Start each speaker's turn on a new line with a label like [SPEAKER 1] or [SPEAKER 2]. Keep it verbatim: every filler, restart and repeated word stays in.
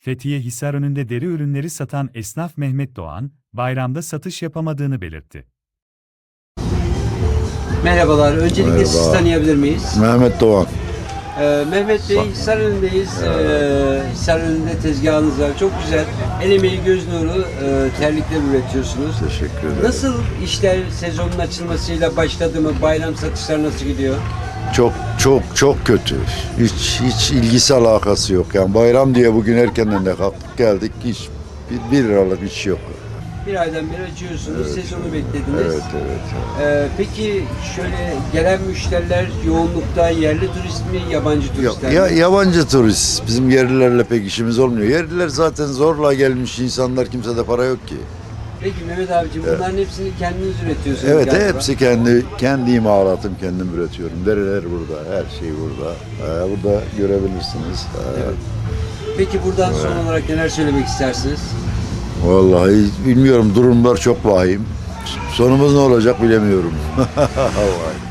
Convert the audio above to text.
[SPEAKER 1] Fethiye Hisarönü'nde deri ürünleri satan esnaf Mehmet Doğan, bayramda satış yapamadığını belirtti.
[SPEAKER 2] Merhabalar, öncelikle
[SPEAKER 3] Merhaba.
[SPEAKER 2] sizi tanıyabilir miyiz?
[SPEAKER 3] Mehmet Doğan.
[SPEAKER 2] Ee, Mehmet Bey, Hisarönü'ndeyiz. Ee, Hisarönü'nde tezgahınız var. Çok güzel. El emeği, göz nuru, e, terlikler üretiyorsunuz.
[SPEAKER 3] Teşekkür ederim.
[SPEAKER 2] Nasıl işler sezonun açılmasıyla başladı mı? Bayram satışlar nasıl gidiyor?
[SPEAKER 3] Çok çok çok kötü. Hiç hiç ilgisi alakası yok. Yani bayram diye bugün erkenden de kalktık geldik. Hiç bir, bir liralık iş yok.
[SPEAKER 2] Bir aydan beri açıyorsunuz,
[SPEAKER 3] Evet,
[SPEAKER 2] sezonu
[SPEAKER 3] evet.
[SPEAKER 2] beklediniz.
[SPEAKER 3] Evet evet.
[SPEAKER 2] Ee, peki şöyle gelen müşteriler yoğunlukta yerli turist mi, yabancı
[SPEAKER 3] Ya,
[SPEAKER 2] turistler
[SPEAKER 3] ya,
[SPEAKER 2] mi?
[SPEAKER 3] yabancı turist. Bizim yerlilerle pek işimiz olmuyor. Yerliler zaten zorla gelmiş insanlar. Kimsede para yok ki.
[SPEAKER 2] Peki Mehmet abicim, bunların hepsini kendiniz üretiyorsunuz
[SPEAKER 3] Evet
[SPEAKER 2] galiba.
[SPEAKER 3] hepsi kendi kendi imalatım, kendim üretiyorum. Deriler burada, her şey burada. Ee, burada görebilirsiniz. Ee,
[SPEAKER 2] Evet. Peki buradan son olarak neler söylemek istersiniz?
[SPEAKER 3] Vallahi bilmiyorum, durumlar çok vahim. Sonumuz ne olacak bilemiyorum. Vay.